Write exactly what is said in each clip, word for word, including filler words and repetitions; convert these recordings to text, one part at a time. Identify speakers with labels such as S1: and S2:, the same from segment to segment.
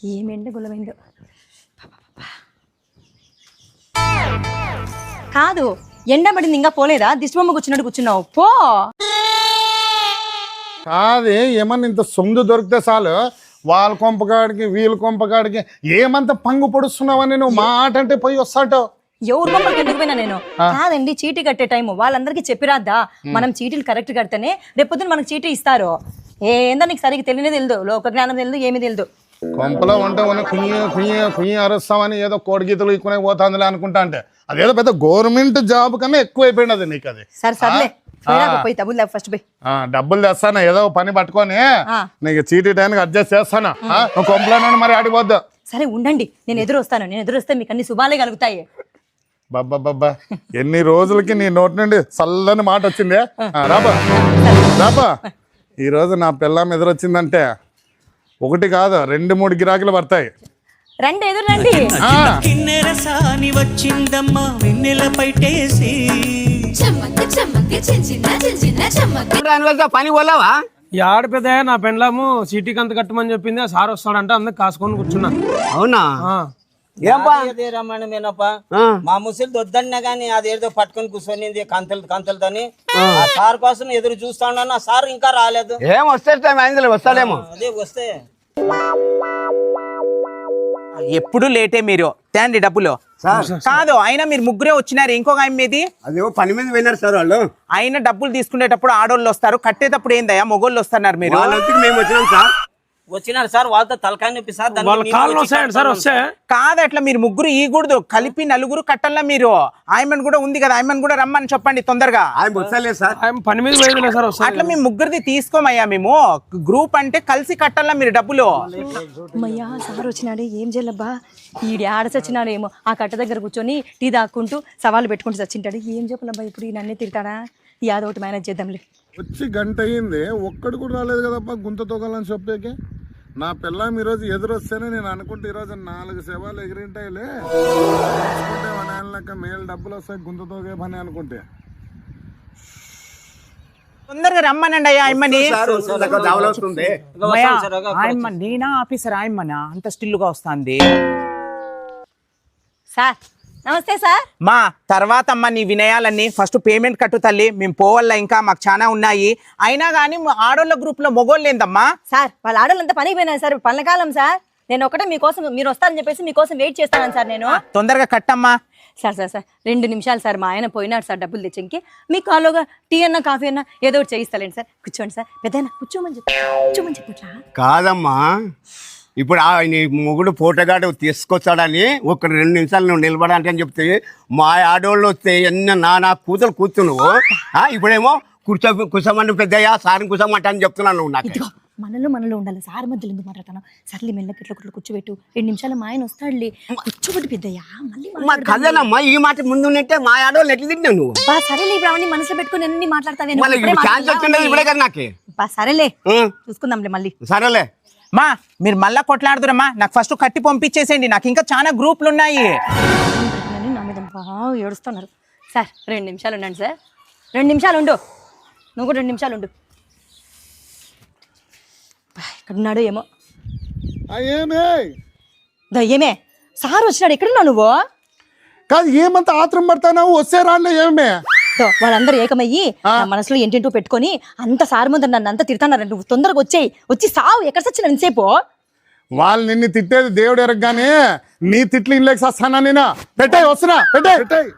S1: ఏమెండ గులమైందో కాదు, ఎండబడింది ఇంకా పోలేదా? దిష్టిబొమ్మ కూర్చున్నట్టు కూర్చున్నావు పో.
S2: కాదే ఏమన్నా ఇంత సొమ్ము దొరికితే చాలు వాళ్ళ కొంపకాడికి వీళ్ళ కొంపకాడికి ఏమంత పంగు పొడుస్తున్నావని నువ్వు మాట అంటే పోయి వస్తాటో.
S1: ఎవరు బొమ్మకి ఎందుకు పోయినా నేను? కాదండి, చీటీ కట్టే టైము వాళ్ళందరికీ చెప్పిరాద్దా? మనం చీటీలు కరెక్ట్ కడితేనే రేపొద్దున మనకు చీటీ ఇస్తారు. ఏందో నీకు సరిగ్గా తెలియనే తెలియదు, లోక జ్ఞానం తెలియదు, ఏమీ తెలియదు.
S2: కొంపలో ఉంటే ఉన్న కుయ్యి కుయ్యి కుయ్యి అరుస్తామని ఏదో కోడి గీతలు ఇక్కునే పోతుందిలే అనుకుంటా. అంటే అదేదో పెద్ద గవర్నమెంట్ జాబ్ కన్నా ఎక్కువ అయిపోయింది అది నీకు. అది
S1: సరే సర్లే పోయి డబ్బులు ఫస్ట్ పోయి
S2: డబ్బులు తెస్తాను, ఏదో పని పట్టుకొని నీకు చీటీ టైంకి అడ్జస్ట్ చేస్తాను. కొంపలో మరి ఆడిపోద్దు.
S1: సరే ఉండండి, నేను ఎదురు వస్తాను. నేను ఎదురు వస్తే మీకు అన్ని శుభాలే కలుగుతాయి.
S2: బాబా బాబా ఎన్ని రోజులకి నీ నోటి నుండి చల్లని మాట వచ్చిందే. రాబా రాబా ఈ రోజు నా పిల్లం ఎదురొచ్చిందంటే ఒకటి కాదు రెండు మూడు గిరాకులు పడతాయి.
S1: రండి ఎదురు రండి.
S3: వచ్చిందమ్మా వెన్నెల పైటేసి
S4: పని పోలావా?
S5: ఈ ఆడపిద నా పెండ్లాము సిటీకి అంత కట్టమని చెప్పింది. ఆ సార్ వస్తాడంటే అందరు కాసుకొని కూర్చున్నా.
S4: అవునా?
S6: రమ్మనమేనప్పా మా ముసలి వద్దన్నా గానీ అదేదో పట్టుకొని కూర్చొని కంతలు కంతలతోని ఆ సార్ కోసం ఎదురు చూస్తా ఉన్నాను. ఆ సార్ ఇంకా రాలేదు.
S4: ఏం వస్తే వస్తాడేమో.
S6: అదే వస్తే
S7: ఎప్పుడు లేటే మీరు తేండి డబ్బులు. కాదు అయినా మీరు ముగ్గురే వచ్చినారు, ఇంకొక ఆయన మీది
S4: అదే పని మీద వెళ్ళారు సార్ వాళ్ళు.
S7: అయినా డబ్బులు తీసుకునేటప్పుడు ఆడోళ్ళు వస్తారు, కట్టేటప్పుడు ఏందయ్యా మొగోళ్ళు వస్తున్నారు. మీరు
S4: మేము వచ్చినాం సార్.
S6: వచ్చినారు సార్, వాళ్ళతో తలకాయ నొప్పి సార్.
S7: కాదు అట్లా మీరు ముగ్గురు ఈగూడదు, కలిపి నలుగురు కట్టల్లా. మీరు ఆయమన్ కూడా ఉంది కదా, ఆయమన్ కూడా రమ్మని చెప్పండి తొందరగా.
S5: పని మీద పోయిందిలే సార్.
S7: అట్లా మేము ముగ్గురిది తీసుకోమయ్యా. మేము గ్రూప్ అంటే కలిసి కట్టల్లా మీరు డబ్బులు.
S1: అమ్మయ్యా సార్ వచ్చినాడే, ఏం చేయాలబ్బా? ఈడి ఆడచొచ్చినాడు ఏమో, ఆ కట్ట దగ్గర కూర్చొని టీ దాక్కుంటూ సవాళ్ళు పెట్టుకుంటూ చచ్చింటాడు. ఏం చెప్పాలబ్బా ఇప్పుడు? ఈ నన్నే తిడతాడా? ఈ యాదో ఒకటి మేనేజ్ చేద్దాంలే.
S2: వచ్చి గంట అయ్యింది, ఒక్కడు కూడా రాలేదు కదప్పా గుంత తొగాలని చెప్పేకి. నా పిల్లం ఈరోజు ఎదురొస్తేనే నేను అనుకుంటే ఈరోజు నాలుగు సేవలు ఎగిరింటాయిలే, అనుకుంటే మేలు డబ్బులు వస్తాయి గుంత తోగే పని అనుకుంటే.
S7: తొందరగా రమ్మనండి అయ్యా ఆయమ్మని.
S6: ఆయమ్మ
S7: నేనా ఆఫీసర్? ఆయమ్మనా అంత స్టిల్లుగా వస్తుంది.
S1: సార్ నమస్తే సార్.
S7: మా తర్వాత అమ్మ నీ వినయాలన్నీ ఫస్ట్ పేమెంట్ కట్టు తల్లి, మేము పోవాల, ఇంకా మాకు చాలా ఉన్నాయి. అయినా కానీ ఆడోళ్ళ గ్రూప్ లో మొగోళ్ళు ఏందమ్మా?
S1: సార్ వాళ్ళ ఆడోళ్ళంతా పనికి పోయినారు సార్, పల్లకాలం సార్. నేను ఒకటే మీకోసం, మీరు వస్తారని చెప్పేసి మీకోసం వెయిట్ చేస్తాను సార్. నేను
S7: తొందరగా కట్టమ్మా.
S1: సార్ సార్ సార్ రెండు నిమిషాలు సార్, మా ఆయన పోయినాడు సార్ డబ్బులు తెచ్చింకి. మీ కాలోగా టీ అన్నా కాఫీ అన్నా ఏదో ఒకటి చేయిస్తాలేండి సార్. కూర్చోండి సార్. పెద్దయినా కూర్చోమని చెప్పి కూర్చోమని చెప్పట్లా?
S4: కాదమ్మా, ఇప్పుడు నీ మొగుడు ఫోటోగాడు తీసుకొచ్చాడని ఒక రెండు నిమిషాలు నువ్వు నిలబడాలంటే అని చెప్తే మా ఆడవాళ్ళు వస్తే ఎన్న నా నా కూతురు కూర్చున్నావు. ఇప్పుడేమో కూర్చో కూర్చోమంటే పెద్దయ్యా సార్ని కూర్చోమంటా అని చెప్తున్నాను నువ్వు. నాకు
S1: మనలో మనలో ఉండాలి సార్, మధ్యలో ఎందుకు మాట్లాడతాను? సర్లీ మెల్లకి ఇట్లా కుట్లు కూర్చోబెట్టు, రెండు నిమిషాలు మా ఆయన వస్తాడులే. కూర్చోబెట్టి పెద్దయ్యా మళ్ళీ
S4: కదనమ్మా, ఈ మాట ముందు ఉంటే మా ఆడవాళ్ళు ఎట్లా తింటావు నువ్వు?
S1: సరేలే, ఇప్పుడు అవన్నీ మనసులో పెట్టుకుని ఎన్ని మాట్లాడతావు? సరేలే చూసుకుందాంలే మళ్ళీ.
S4: సరేలే
S7: మా మీరు మళ్ళా కొట్లాడుతురమ్మా, నాకు ఫస్ట్ కట్టి పంపించేసేయండి, నాకు ఇంకా చాలా గ్రూపులు ఉన్నాయి.
S1: నా మీద బాగా ఏడుస్తున్నారు సార్. రెండు నిమిషాలు ఉండండి సార్, రెండు నిమిషాలు ఉండు. నువ్వు కూడా రెండు నిమిషాలు ఉండు. ఎక్కడున్నాడు ఏమో. ఏమే సార్ వచ్చినాడు, ఎక్కడున్నావు నువ్వు?
S2: కాదు ఏమంత ఆత్రం పడతావు? వస్తే రాలే ఏమే?
S1: వాళ్ళందరూ ఏకమయ్యి మనసులో ఏంటంటూ పెట్టుకొని అంత సార్ ముందు నన్ను అంత తిడతాన్నారు. నువ్వు తొందరగా వచ్చేయి, వచ్చి సావు. ఎక్కడ సచ్చిన ఎంతసేపు?
S2: వాళ్ళు నిన్ను తిట్టేది దేవుడు ఎరగగానే నీ తిట్లు ఇన్లేక వస్తానా? నేను పెట్టాయి వస్తున్నా, పెట్టాయి పెట్టాయి.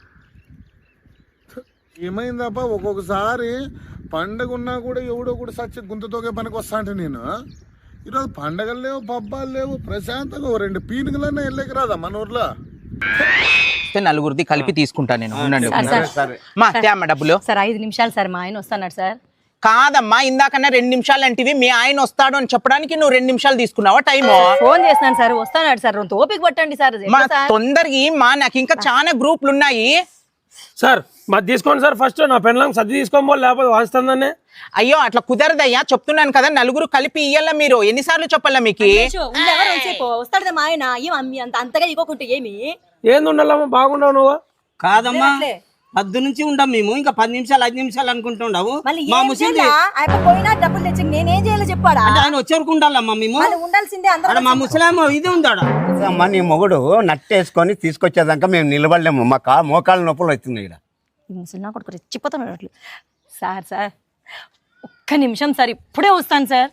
S2: ఏమైందప్ప, ఒక్కొక్కసారి పండగ ఉన్నా కూడా ఎవడో కూడా సచ్చి గుంతతోగే పనికి వస్తా అంటే నేను ఈరోజు పండగలు లేవు, పబ్బాలు లేవు, ప్రశాంతంగా ఓ రెండు పీనుగులన్నా వెళ్ళకి రాదా మన ఊర్లో?
S7: నలుగురిది కలిపి తీసుకుంటా నేను. మా డబ్బులు
S1: సార్ ఐదు నిమిషాలు సార్, మా ఆయన వస్తున్నాడు సార్.
S7: కాదమ్మా, ఇందాకన్నా రెండు నిమిషాలు అంటివి, మీ ఆయన వస్తాడు అని చెప్పడానికి నువ్వు రెండు నిమిషాలు తీసుకున్నావా టైం?
S1: ఫోన్ చేస్తున్నాను సార్, వస్తున్నాడు సార్. ఓపిక పట్టండి సార్.
S7: తొందరగా మా నాకు ఇంకా చాలా గ్రూపులు ఉన్నాయి
S5: సార్. మాది తీసుకోండి సార్ ఫస్ట్. నా పెన్లాం సర్ది తీసుకోమో లేకపోతే వాస్తుందనే.
S7: అయ్యో అట్లా కుదరదయ్యా, చెప్తున్నాను కదా నలుగురు కలిపి ఇయ్యాల. మీరు ఎన్నిసార్లు చెప్పాలా మీకు?
S1: వస్తాడు మా ఆయన. అంతగా ఇవ్వకుంటే ఏమి
S5: ఏంది ఉండాలమ్మా? బాగుండవు నువ్వు?
S6: కాదమ్మా, పద్దు నుంచి ఉండం మేము ఇంకా పది నిమిషాలు ఐదు నిమిషాలు అనుకుంటుండవు
S1: మళ్ళీ
S6: మా
S1: ఏం
S6: ముసలి
S1: చేయాలా? ఆయన పోయినా డబ్బులు తెచ్చి నేనేం చేయాలో చెప్పాడా?
S6: అంటే ఆయన వచ్చేవరకు ఉండాలమ్మా మేము
S1: వాళ్ళు ఉండాల్సిందే అందరూ.
S6: ఆడ మా ముసలామో ఇది ఉందాడ
S4: అమ్మ నీ మొగుడు నట్టేసుకొని తీసుకొచ్చేదాకా మేము నిలబడలేము మా కా మోకాళ్ళ నొప్పులు అవుతున్నాయి ఇక్కడ.
S1: ఈ ముసలి నా కొడుకు రెచ్చిపోతాను అట్లు. సార్ సార్ ఒక్క నిమిషం సార్, ఇప్పుడే వస్తాను సార్.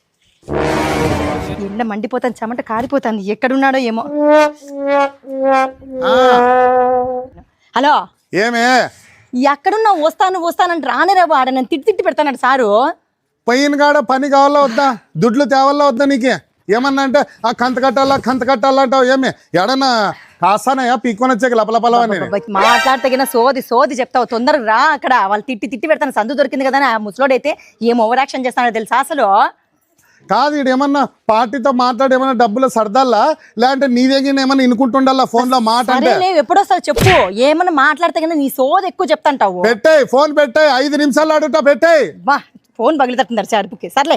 S1: ఎండ మండిపోతాను, చెమట కారిపోతాను, ఎక్కడున్నాడో ఏమో. హలో,
S2: ఏమే
S1: ఎక్కడున్నా వస్తాను వస్తానంటే రానే రాబు. ఆడ నన్ను తిట్టి తిట్టి పెడతాడు సారు.
S2: పైన కాడ పని కావాలా వద్దా, దుడ్లు తేవాలా వద్దా నీకే? ఏమన్నా అంటే ఆ కంత కట్టాలా కంత కట్టాలా అంటావు. ఏమి ఎడన్నా కాస్తానయా పీక్కొని వచ్చాక లపలపలవని
S1: మాట్లాడితే సోది సోది చెప్తావు. తొందరగా రా. అక్కడ వాళ్ళు తిట్టి తిట్టి పెడతాను. సందు దొరికింది కదా ఆ ముసలోడైతే ఏం ఓవర్ యాక్షన్ చేస్తానో తెలుసా అసలు.
S2: కాదు ఇడు ఏమన్నా పార్టీతో మాట్లాడి ఏమన్నా డబ్బులు సర్దాలా, లేదంటే నీ దగ్గర ఏమన్నా ఇనుకుంటుండాలా ఫోన్ లో మాట అంటే?
S1: సరే ఎప్పుడొస్తావు చెప్పు. ఏమన్నా మాట్లాడితే కన్నా నీ సోది ఎక్కువ చెప్తాంటావు.
S2: పెట్టాయి ఫోన్ పెట్టాయి, ఐదు నిమిషాలు అడుగుతా పెట్టాయి.
S1: బా ఫోన్ పగిలితట్టున్నారు చారుపుకి. సర్లే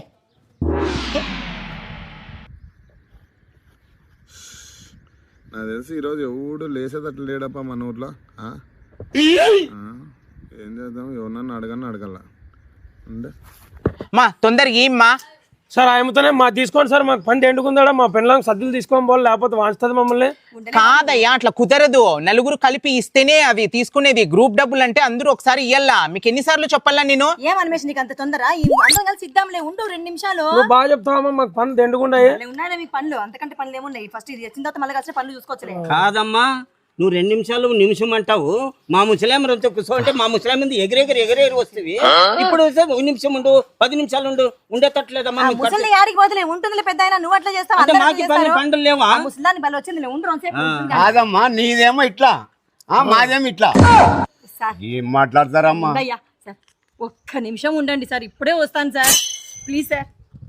S2: నాకు తెలిసి ఈరోజు ఎవడు లేసేటట్లు లేడప్ప మన ఊర్లో. ఆ? ఆ? ఏం చేద్దాం, ఎవరన్నా అడగన్నా అడగల ఉండే.
S7: మా తొందరగా ఏమ్మా
S5: సార్ ఆయనతోనే మా తీసుకోండి సార్, మాకు పని ఎండుకుందా మా పెళ్ళం సద్దులు తీసుకొని పోవాలి, లేకపోతే వాంచుతుంది మమ్మల్ని.
S7: కాదయ్యా అట్లా కుదరదు. నలుగురు కలిపి ఇస్తేనే అవి తీసుకునేది. గ్రూప్ డబ్బులు అంటే అందరూ ఒకసారి ఇయ్యాలా. మీకు ఎన్నిసార్లు చెప్పాలా నేను?
S1: ఏం అనిమేష్ నీకు అంత తొందర? ఈ అందరం కలిసి ఇద్దాంలే, ఉండు రెండు నిమిషాలు.
S5: నువ్వు బాగా చెప్తావమ్మా, మాకు పనులు ఎండుకుంటాయి.
S1: ఉన్నాయా మీకు పనులు? అంతకంటే పనులు ఏమున్నాయి? ఫస్ట్ ఇది వచ్చిన తర్వాత మళ్ళీ కలిసి పనులు చూసుకోవచ్చులే.
S6: కాదమ్మా, నువ్వు రెండు నిమిషాలు నిమిషం అంటావు. మా ముసలాం రోజు కూర్చో అంటే మా ముసలాం మీద ఎగిరెగిరి ఎగిరేరు వస్తుంది. ఇప్పుడు ఒక నిమిషం ఉండు, పది నిమిషాలు ఉండు, ఉండేటట్లేదమ్మా. నీకు కట్ట-
S1: ముసలి యాడికి పోతలే ఉంటుందిలే పెద్ద అయినా. నువ్వు అట్లా చేస్తావు,
S6: అంటే
S1: అందరూ
S6: మాకి
S1: అట్లా
S6: పని
S1: చేస్తారు.
S6: పండులు లేవా?
S1: ఆ ముసలాన్ని బలి వచ్చింది, ఉండు రోజుసేపు కూర్చుంటా.
S4: కాదమ్మా నీదేమో ఇట్లా, ఆ మాదేమో ఇట్లా.
S1: సార్
S4: ఏం మాట్లాడతారమ్మా?
S1: ఉండయ్యా సార్, ఒక్క నిమిషం ఉండండి సార్, ఇప్పుడే వస్తాను సార్, ప్లీజ్ సార్.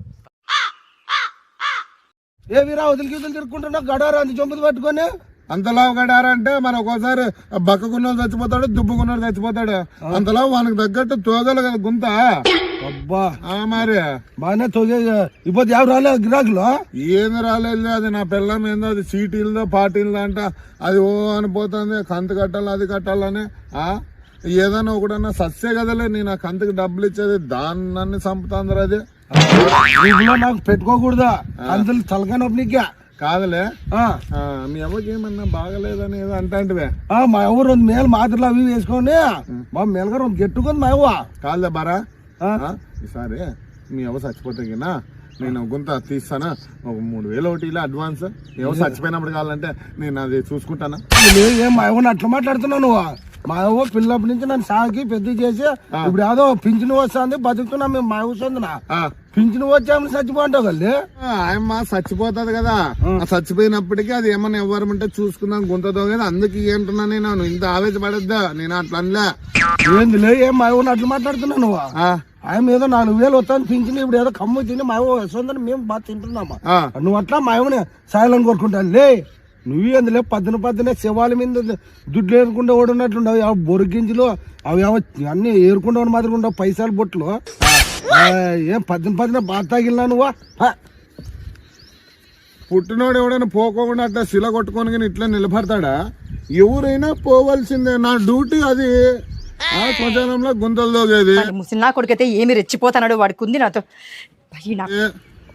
S8: ఏ వీరా వదిలికి వదిలి తిరుక్కుంటున్నా గడారా అంత చొంపుది పట్టుకొని.
S2: అంతలా గడారంటే మన ఒక్కోసారి బక్కకున్నోడు చచ్చిపోతాడు, దుబ్బుకున్నోడు చచ్చిపోతాడు. అంతలా వానికి తగ్గట్టు తోగలు కదా గుంత.
S8: అబ్బా
S2: ఆ మరి
S8: బాగానే తోగే ఇప్పుడు ఎవరు రాలేదు గిరాకులు.
S2: ఏంది రాలేదు, అది నా పిల్లం ఏందో, అది సీటీలదో పార్టీలదో అంట. అది ఓ అనిపోతుంది, కంతు కట్టాలి అది కట్టాలని. ఆ ఏదైనా ఒకడన్నా సత్సే కదలే, నేను ఆ కంతుకి డబ్బులు ఇచ్చేది, దాన్ని చంపుతాందరు. అది
S8: వీధిలో నాకు పెట్టుకోకూడదా అందులో తలకాయ నొప్పి నీకే
S2: కాదులే.
S8: ఆ,
S2: ఆ, మీ అవ్వకి ఏమన్నా బాగలేదని ఏదో అంటాంటివే.
S8: ఆ, మా అవ్వ రెండు మేలు మాత్రలు అవి వేసుకొని మా మేలుగా రెండు గెట్టుకుంది మా అవ్వ.
S2: కాదులే బారా,
S8: ఆ?
S2: ఆ, ఈసారి మీ అవ్వ చచ్చిపోతే గినా నేను గుంత తీస్తానా, ఒక మూడు వేలు ఒకటి ఇలా అడ్వాన్స్. ఎవరు చచ్చిపోయినప్పుడు కావాలంటే నేను అది చూసుకుంటానా.
S8: నువ్వు ఏం మా అవ్వని అట్లా మాట్లాడుతున్నావు నువ్వు? మా అవ్వ పిల్లప్పటి నుంచి నన్ను సాకి పెద్ద చేసి ఇప్పుడు ఏదో పింఛను వస్తుంది బతుకుతున్నా మేము మా వస్తుందినా
S2: ఆ,
S8: పింఛను వచ్చామని చచ్చిపోంటావు కల్లి.
S2: ఆయమ్మ చచ్చిపోతుంది కదా, ఆ చచ్చిపోయినప్పటికీ అది ఏమన్నా ఎవరు ఉంటే చూసుకుందాం గుంతతో కదా. అందుకు ఏంటున్నా నేను ఇంత ఆవేశపడద్దా, నేను అట్లా అనలే.
S8: ఏంది లే, ఏం మా అవ్వని అట్లా మాట్లాడుతున్నావు నువ్వు?
S2: ఆ,
S8: ఆయన ఏదో నాలుగు వేలు వస్తాను పింఛను, ఇప్పుడు ఏదో కమ్ము తిని మా అవ్వ వస్తుందని మేము బాగా తింటున్నామా.
S2: ఆ.
S8: నువ్వు అట్లా మా అవ్వని సాయాలని కోరుకుంటాను లే. నువ్వు ఎందులే పద్దెన పద్దెనే శవాల మీద దుడ్లు ఏరుకుంటే ఓడున్నట్లుండవు. అవి బొరిగించులు అవి ఏమో అన్ని ఏరుకుంటా మాత్రం ఉండవు పైసలు బొట్లు. ఆ, ఏం పద్దెన పద్దెన బాగా తాగిలినా నువ్వా? హ.
S2: పుట్టినోడు ఎవడైనా పోకోకుండా అట్లా శిల కొట్టుకొని కానీ ఇట్లా నిలబడతాడా? ఎవరైనా పోవాల్సిందే, నా డ్యూటీ అది. ఆ శ్మశానంలో గుంతలు దోగేది.
S1: ముసలి నా కొడుకైతే ఏమి రెచ్చిపోతాడు, వాడికి ఉంది నాతో. భయ్ నా-
S2: ఏ-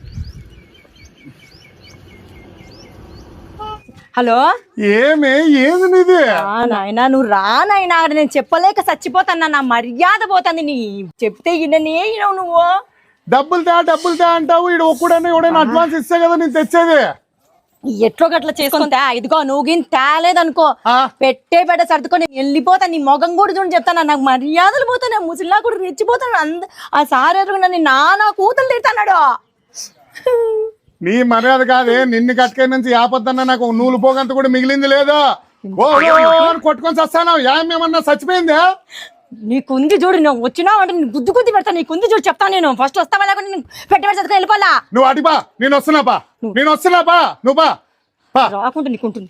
S1: హలో,
S2: ఏమే ఏది నీది?
S1: నాయనా నువ్వు రా నాయనా, ఆడ నేను చెప్పలేక చచ్చిపోతాను, నా మర్యాద పోతుంది. నీ చెప్తే ఇన్ననే ఇనవు నువ్వు.
S2: డబ్బులు తా డబ్బులు తా అంటావు. ఇడు ఒక్కడన్నా ఎవడైనా అడ్వాన్స్ ఇస్తే కదా నేను తెచ్చేది.
S1: ఎట్లో గట్లా చేసుకుంటా. ఇదిగో నువ్వు గిన్ తేలేదనుకో,
S2: ఆ.
S1: పెట్టే పెట్ట సర్దుకొని వెళ్ళిపోతాను. నీ మొగం కూడా చూడు చెప్తాను, నాకు మర్యాదలు పోతాను. ముసలిలా కూడా రెచ్చిపోతాను. అంద ఆ సార్ ఎరుగు నన్ను నానా కూతులు తిడతాడు.
S2: నీ మర్యాద కాదే, నిన్ను కట్టుకే నుంచి యాపద్దన్న నాకు నూలు పోగంత కూడా మిగిలింది లేదు. ఓ ఓ అని కొట్టుకొని చస్తాను. ఏమేమన్నా చచ్చిపోయిందే?
S1: నీకుంది చూడు, నువ్వు వచ్చినావు అంటే నేను గుద్దు గుద్ది పెడతాను. నీకుంది చూడు చెప్తాను. నేను ఫస్ట్ వస్తావా లేకుండా నేను పెట్టి పెట్టి చదువుకొని వెళ్ళిపోవాలా?
S2: నువ్వు అడిపా, నేను వస్తున్నా బా, నేను వస్తున్నా బా, నువ్వు బా బా.
S1: రాకుండా నీకుంటుంది.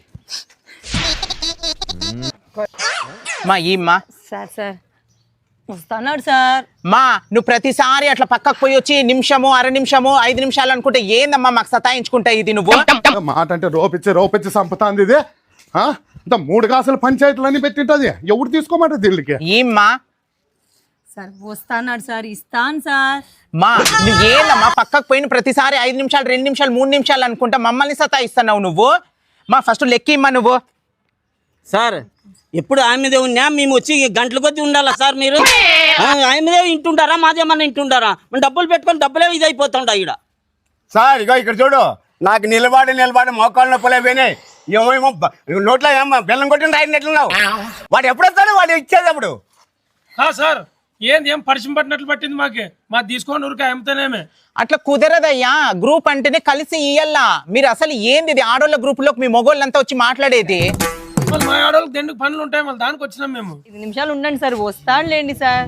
S7: మా ఈమ్మా
S1: సార్ సార్ వస్తున్నాడు సార్.
S7: మా నువ్వు ప్రతిసారి అట్లా పక్కకు పోయి వచ్చి నిమిషము అర నిమిషము ఐదు నిమిషాలు అనుకుంటే ఏందమ్మా మాకు సతాయించుకుంటా ఇది నువ్వు?
S2: మాట అంటే రోపిచ్చి రోపిచ్చి సంపుతాంది ఇది. ఆ? ఇంత మూడు కాసుల పంచాయతీలన్నీ పెట్టింటది ఎవరు తీసుకోమాట దీనికి
S7: ఏమ్మా
S1: సార్ వస్తాన్నాడు సార్, ఇస్తాను సార్.
S7: మా నువ్వు ఏందమ్మా పక్కకు పోయిన ప్రతిసారి ఐదు నిమిషాలు రెండు నిమిషాలు మూడు నిమిషాలు అనుకుంటా మమ్మల్ని సతాయిస్తున్నావు నువ్వు. మా ఫస్ట్ లెక్కిమ్మా నువ్వు.
S6: సార్ ఎప్పుడు ఆమెదే ఉన్నా మేము వచ్చి గంటల కొద్ది ఉండాలా సార్ మీరు? ఆ, ఆమెదే ఇంటుంటారా మాదేమన్నా ఇంటుంటారా? మనం డబ్బులు పెట్టుకొని డబ్బులే ఇది అయిపోతుంటా ఇక్కడ.
S4: సార్ ఇగో ఇక్కడ చూడు, నాకు నిలబడి నిలబడి మోకాళ్ళు నొప్పులే పోయినాయి. ఏమేమో బ- నోట్లో ఏమో బెల్లం కొట్టిన రాయినట్లున్నావు. వాడు ఎప్పుడు వస్తాడు? వాడు ఇచ్చేది అప్పుడు.
S5: ఆ సార్ ఏంది ఏం పరిచయం పట్టినట్లు పట్టింది మాకే, మా తీసుకొని ఊరికే అమ్ముతానేమే.
S7: అట్లా కుదరదయ్యా, గ్రూప్ అంటేనే కలిసి ఇయ్యల్లా. మీరు అసలు ఏంది ఇది ఆడోళ్ళ గ్రూప్ లోకి మీ మొగోళ్ళంతా వచ్చి మాట్లాడేది?
S5: మళ్ళీ మా ఆడవాళ్ళకి దెండుకు పనులు ఉంటాయి, మళ్ళీ దానికి వచ్చినాం మేము.
S1: ఐదు నిమిషాలు ఉండండి సార్, వస్తానులేండి సార్.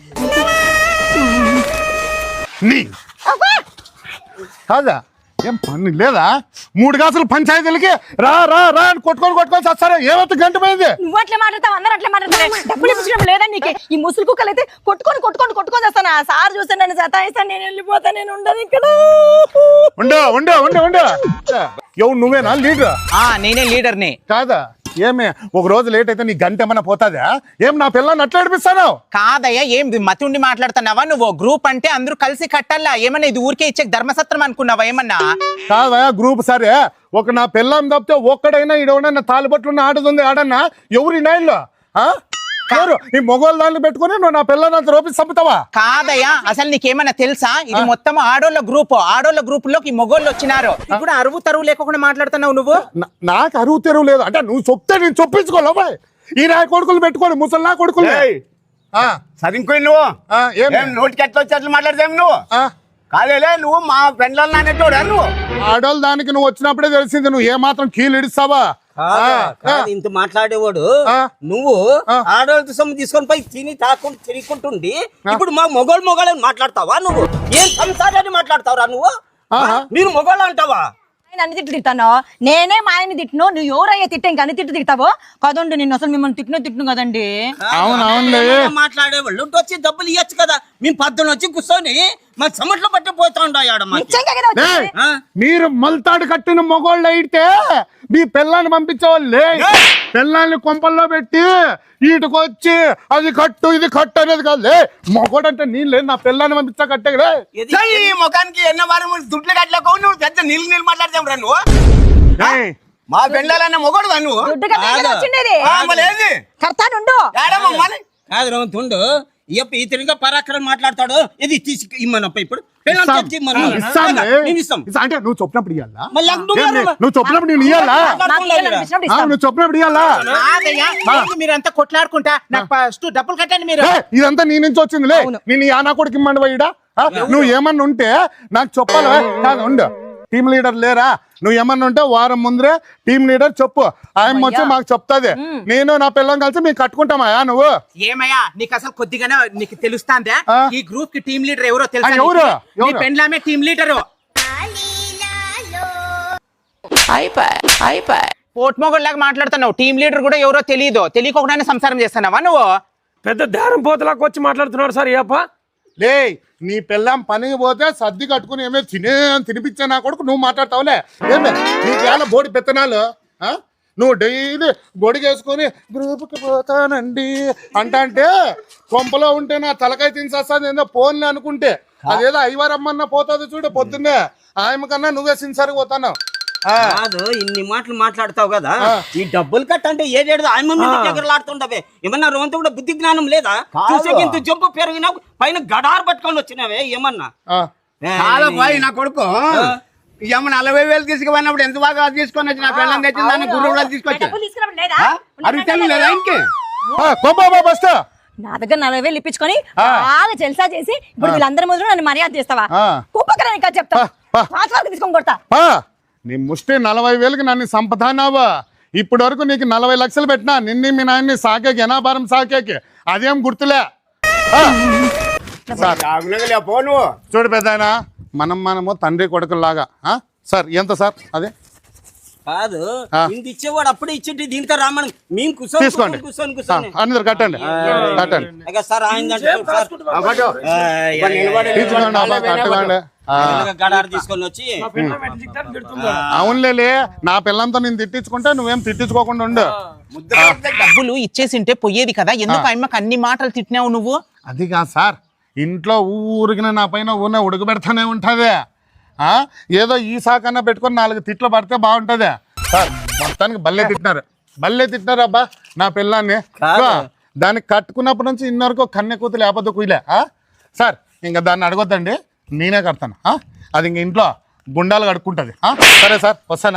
S2: నీ కాదా ఏం పని లేదా? మూడు కాసులు పంచాయతీలకి రా రా రా అని కొట్టుకొని కొట్టుకొని వస్తారా? ఏమైతే గంట పోయింది?
S1: నువ్వు అట్లా మాట్లాడతావు, అందరూ అట్లా మాట్లాడతారు. డబ్బులు ఇప్పించడం లేదా నీకు? ఈ ముసుగు కుక్కలు అయితే కొట్టుకొని కొట్టుకొని కొట్టుకొని వస్తాను. ఆ సార్ చూస్తే నన్ను సతాయిస్తాను, నేను వెళ్ళిపోతాను, నేను ఉండను ఇక్కడ.
S2: ఉండు ఉండు ఉండు ఉండు ఎవరు నువ్వేనా లీడర్?
S7: ఆ నేనే లీడర్ని.
S2: కాదా ఏమే ఒక రోజు లేట్ అయితే నీ గంట ఏమన్నా పోతాదా? ఏం నా పిల్లని అట్లా ఏడిపిస్తాను?
S7: కాదయ్యా, ఏం మతి ఉండి మాట్లాడుతున్నావా నువ్వు? గ్రూప్ అంటే అందరూ కలిసి కట్టాలా? ఏమన్నా ఇది ఊరికే ఇచ్చే ధర్మసత్రం అనుకున్నావా ఏమన్నా?
S2: కాదా గ్రూప్ సరే, ఒక నా పిల్లం తప్పితే ఒక్కడైనా ఈడవడన్నా తాలిబట్లున్న ఆడుతుంది ఆడన్నా ఎవరు నైన్లో? ఎవరు ఈ మొగోళ్ళ దాన్ని పెట్టుకుని నువ్వు నా పిల్లని అంత రూపి చంపుతావా?
S7: కాదయ్యా, అసలు నీకేమన్నా తెలుసా? ఇది మొత్తం ఆడోళ్ళ గ్రూప్. ఆడోళ్ళ గ్రూప్ లోకి ఈ మొగోళ్ళు వచ్చినారు. ఇప్పుడు అరువు తరువు లేకుండా మాట్లాడుతున్నావు నువ్వు.
S2: నా- నాకు అరువు తెరువు లేదు అంటే నువ్వు చెప్తే నేను చొప్పించుకోలేవా? ఈ నా కొడుకులు పెట్టుకోని ముసలి నా కొడుకులు.
S4: ఏయ్, చదువుకోయి నువ్వు
S2: ఆ, ఏం?
S4: ఏం నోటికి ఎట్లా వచ్చి అట్లా మాట్లాడతావు నువ్వు?
S2: ఆ,
S4: కాదేలే నువ్వు మా ఫ్రెండ్లలో నానెట్టోడా నువ్వు?
S2: ఆడోళ్ళ దానికి నువ్వు వచ్చినప్పుడే తెలిసింది నువ్వు ఏ మాత్రం కీలు ఇడిస్తావా?
S6: కాదు, కాదు, ఇంత మాట్లాడేవాడు
S2: ఆ.
S6: నువ్వు ఆడవాళ్ళతో సొమ్ము తీసుకొని పోయి తిని తాకుండా తిరుగుకుంటుండి ఇప్పుడు మా మొగోళ్ళు మొగోళ్ళని మాట్లాడతావా నువ్వు? ఏం సంసారాన్ని మాట్లాడతావురా నువ్వు?
S2: ఆహా.
S6: మీరు మొగోళ్ళు అంటావా?
S1: ఆయన అన్ని తిట్లు తిట్టాను, నేనే మా ఆయన తిట్టును, నువ్వు ఎవరయ్యా తిట్టే ఇంకా అన్ని తిట్టు తిట్టావో కదండి. నేను అసలు మిమ్మల్ని తిట్టిన తిట్టును కదండి.
S2: అవును, అవునులే.
S6: ఏమైనా మాట్లాడేవాళ్ళు ఉంటే వచ్చి డబ్బులు ఇవ్వచ్చు కదా. మేము పద్దున వచ్చి కూర్చొని మా చెమట్లో పట్టి పోతా ఉండాడు.
S1: నిజంగా కదా వచ్చింది?
S2: ఏయ్, మీరు మల్తాడు కట్టిన మొగోళ్ళు అయితే మీ పిల్లాన్ని పంపించేవాళ్ళే. పిల్లాన్ని కొంపల్లో పెట్టి ఈటుకొచ్చి అది కట్టు ఇది కట్టు అనేది కాదు. మొగోడు అంటే నేను లేదు, నా పిల్లాన్ని పంపించా కట్టే కదా.
S4: చెయ్యి, ఈ ముఖానికి ఎన్న వారం దుడ్లు కట్టలేకో నువ్వు పెద్ద నీళ్ళు నీళ్ళు మాట్లాడతావు రా నువ్వు.
S2: ఏయ్,
S4: మా పెళ్ళాలన్న మొగోడు రా నువ్వు.
S1: దుడ్డు కదా ఇక్కడ వచ్చిండేది.
S4: ఆ, మళ్ళీ ఏంది?
S1: కర్తానుండు.
S4: ఏడమ్మా మళ్ళీ?
S6: కాదు రౌతుండు ఇప్ప ఇతనిగా పరాక్రమం మాట్లాడతాడు. ఇది తీసి ఇమ్మనప్ప ఇప్పుడు పిల్లలు
S2: ఇస్తాం.
S6: తెచ్చి ఇమ్మను.
S2: ఇస్తాంలే.
S6: మేము ఇస్తాం.
S2: ఇస్తా- అంటే నువ్వు చెప్పినప్పుడు ఇవ్వాలా?
S6: మళ్ళీ నాకు నువ్వు
S2: ఏం లే,
S6: ఎవరు?
S2: నువ్వు చెప్పినప్పుడు నేను ఇవ్వాలా?
S1: మాకు ఇయ్యాలని అనిపించినప్పుడు
S2: ఆ,
S1: ఇస్తాం.
S2: నువ్వు చెప్పినప్పుడు ఇవ్వాలా?
S7: కాదయ్యా, ఏంది మీరంతా కొట్లాడుకుంటా నాకు ఫస్ట్ డబ్బులు కట్టండి మీరు.
S2: ఏయ్, ఇదంతా నీ నుంచి వచ్చిందిలే. నేను ఈ ఆనా కొడుకు ఇమ్మండి పోయిడా? నువ్వు ఏమన్నా ఉంటే నాకు చెప్పాలి. కాదు ఉండు, టీమ్ లీడర్ లేరా? నువ్వు ఏమన్నా ఉంటే వారం ముందరే టీమ్ లీడర్ చెప్పు, ఆయన వచ్చి మాకు చెప్తాది. నేను నా పిల్లని కలిసి మేము కట్టుకుంటామా నువ్వు?
S7: ఏమయ్యా నీకు అసలు కొద్దిగానే నీకు తెలుస్తాందా?
S2: ఆ.
S7: ఈ గ్రూప్ కి టీమ్ లీడర్ ఎవరో తెలుసా?
S2: ఆ, ఎవరు?
S7: నీకు? నీ
S2: ఎవరు?
S7: పెండ్లామే టీమ్ లీడరు. పోట్మొగల్లాగా మాట్లాడుతున్నావు. టీమ్ లీడర్ కూడా ఎవరో తెలియదు. తెలియకుండానే సంసారం చేస్తున్నావా నువ్వు?
S5: పెద్ద దారం పోతలాగా వచ్చి మాట్లాడుతున్నాడు సార్. ఏప
S2: లే, నీ పిల్లం పనికి పోతే సర్ది కట్టుకుని ఏమే తినే తినిపించే నా కొడుకు నువ్వు మాట్లాడతావులే. ఏమే నీకు ఏమైనా బోడి పెత్తనాలు? ఆ? నువ్వు డైలీ గొడిగేసుకొని గ్రూప్కి పోతానండి అంట అంటే కొంపలో ఉంటే నా తలకాయ తినేస్తుంది ఏందో ఫోన్లే అనుకుంటే అదేదో ఐవారమ్మన్న పోతుంది చూడు పొద్దున్నే. ఆయమ కన్నా నువ్వే సిన్సర్గా పోతాను.
S6: కాదు ఇన్ని మాటలు మాట్లాడతావు కదా. ఈ డబ్బులు కట్ట అంటే ఏడేడు ఆయన దగ్గరలాడుతుండవే. ఏమన్నా రోంత కూడా బుద్ధి జ్ఞానం లేదా? చూసే ఇంత జంపు పెరిగినా పైన గడారు పట్టుకొని వచ్చినావే ఏమన్నా?
S2: ఆ,
S4: చాలా పోయి నా కొడుకు ఏమో నలభై వేలు తీసుకుపోయినప్పుడు ఎంత బాగా తీసుకొని వచ్చి నా పిల్లలు తెచ్చిందని గుర్రు కూడా తీసుకొచ్చా.
S1: డబ్బులు తీసుకురావడం లేదా?
S4: అడుగుతాను లేదా ఇంకే?
S2: ఆ, కొంపా బస్ట్
S1: నా దగ్గర నలభై వేలు ఇప్పించుకొని బాగా జల్సా చేసి ఇప్పుడు వీళ్ళందరి ముందు నన్ను మర్యాద చేస్తావా?
S2: ఆ.
S1: కుప్పకరా ఇంకా చెప్తా,
S2: పా.
S1: పాత వరకు తీసుకొని కొడతా.
S2: పా, నీ ముష్టి నలభై వేలకి నన్ను సంపదానావా? ఇప్పటి వరకు నీకు నలభై లక్షలు పెట్టినా నిన్ని మీ నాయన్ని సాకేకి ఎనాభారం సాకేకి అదేం గుర్తులే. ఆ, సార్
S4: తాగునగలే పో నువ్వు.
S2: చూడు పెద్దాయన, మనం మనము తండ్రి కొడుకులాగా. ఆ, సార్ ఎంత సార్? అదే
S6: కాదు ఇంత ఇచ్చేవాడు అప్పుడే ఇచ్చేటి దీంతో రామని మేము కూర్చొని
S2: తీసుకోండి
S6: కూర్చొని కూర్చొని
S2: అందరు కట్టండి కట్టండి
S6: ఇక సార్ ఆయన
S2: తీసుకోండి అబ్బా కట్టండి
S6: గడారు తీసుకొని వచ్చి
S2: అవునులే నా పిల్లంతో నేను తిట్టించుకుంటే నువ్వేం తిట్టించుకోకుండా ఉండు.
S7: డబ్బులు ఇచ్చేసింటే పోయేది కదా, ఎందుకు అమ్మకి అన్ని మాటలు తిట్టినావు నువ్వు?
S2: అది కాదు సార్, ఇంట్లో ఊరికిన నా పైన ఊరినే ఉడకబెడతానే ఉంటుంది. ఏదో ఈ సాకన్నా పెట్టుకొని నాలుగు తిట్లు పడితే బాగుంటుంది సార్. మొత్తానికి బల్లే తిట్టినారు, బల్లే తిట్టినారు అబ్బా నా పిల్లాన్ని. దానికి కట్టుకున్నప్పటి నుంచి ఇన్నవరకు కన్నె కూతురు లేకపోతే కుయిలే సార్. ఇంకా దాన్ని అడగొద్దండి, నేనే కడతాను. అది ఇంక ఇంట్లో గుండాలు కడుక్కుంటది. సరే సార్ వస్తానా?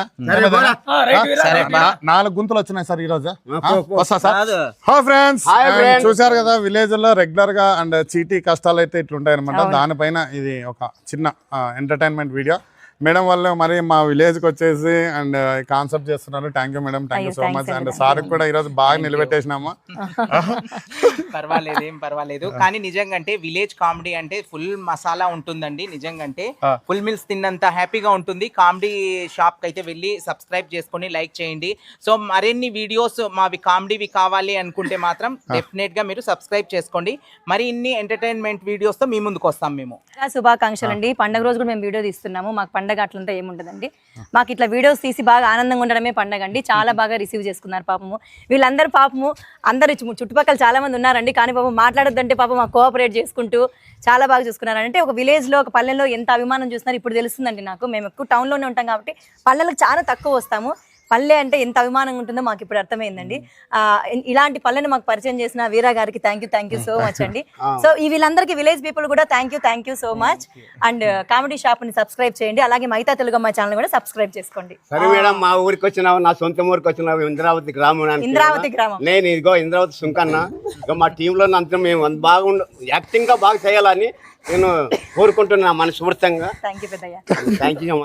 S2: నాలుగు గుంతలు వచ్చినాయి సార్ ఈ రోజు. వస్తా సార్. హాయ్ ఫ్రెండ్స్, చూసారు కదా విలేజ్ లో రెగ్యులర్ గా అండ్ చీటీ కష్టాలు అయితే ఇట్లుంటాయి అనమాట. దానిపైన ఇది ఒక చిన్న ఎంటర్టైన్మెంట్ వీడియో. మేడం వాళ్ళు మరి మా విలేజ్ కి వచ్చేసి అండ్ కాన్సెప్ట్ చేస్తున్నారు. Thank you madam, thank you so much. And sir కూడా ఈరోజు బాగా నిలబెట్టేసినాము.
S7: పర్వాలేదు, ఏం పర్వాలేదు. కానీ నిజంగా అంటే విలేజ్ కామెడీ అంటే ఫుల్ మసాలా ఉంటుందండి. నిజంగా అంటే ఫుల్ మీల్స్ తిన్నంత హ్యాపీగా ఉంటుంది. కామెడీ షాప్ కి అయితే వెళ్ళి సబ్స్క్రైబ్ చేసుకొని లైక్ చేయండి. సో మరిన్ని వీడియోస్ మావి కామెడీవి కావాలి అనుకుంటే మాత్రం డెఫినెట్ గా మీరు సబ్స్క్రైబ్ చేసుకోండి. మరి ఇన్ని ఎంటర్టైన్మెంట్ వీడియోస్ తో మీ ముందుకు వస్తాం మేము.
S1: శుభాకాంక్షలు అండి. పండుగ రోజు కూడా మేము వీడియో తీస్తున్నాము. మాకు పండగ అట్లంతా ఏముంటదండి, మాకు ఇట్లా వీడియోస్ తీసి బాగా ఆనందంగా ఉండడమే పండగ అండి. చాలా బాగా రిసీవ్ చేసుకున్నారు పాపము వీళ్ళందరూ. పాపము అందరు చుట్టుపక్కల చాలా మంది ఉన్నారండి, కానీ పాపం మాట్లాడొద్దంటే పాపం మాకు కోఆపరేట్ చేసుకుంటూ చాలా బాగా చూసుకున్నారు. అంటే ఒక విలేజ్ లో ఒక పల్లెల్లో ఎంత అభిమానం చూస్తున్నారు ఇప్పుడు తెలుస్తుందండి నాకు. మేము ఎక్కువ టౌన్ లోనే ఉంటాం కాబట్టి పల్లెలకు చాలా తక్కువ వస్తాము. పల్లె అంటే ఎంత అభిమానంగా ఉంటుందో మాకు ఇప్పుడు అర్థమైందండి. ఆ ఇలాంటి పల్లెని మాకు పరిచయం చేసిన వీరా గారికి thank you thank you so much అండి. సో ఈ వీళ్ళందరికీ విలేజ్ పీపుల్ కూడా thank you thank you so much. And comedy shop ని సబ్స్క్రైబ్ చేయండి, అలాగే మైతా తెలుగమ్మ ఛానల్ కూడా సబ్స్క్రైబ్ చేసుకోండి.
S4: సరే మేడం, మా ఊరికి వచ్చినావు, నా సొంత ఊరికి వచ్చినావు, ఇంద్రావతి గ్రామం.
S1: ఇంద్రావతి గ్రామం.
S4: నేను ఇదిగో ఇంద్రావతి సుంకన్న. ఇక మా టీంలో అంతా మేము బాగుండు యాక్టింగ్ గా బాగా చేయాలని నేను కోరుకుంటున్నా మనస్ఫూర్తిగా.
S1: థ్యాంక్ యూ పెద్దయ్య.
S4: Thank you.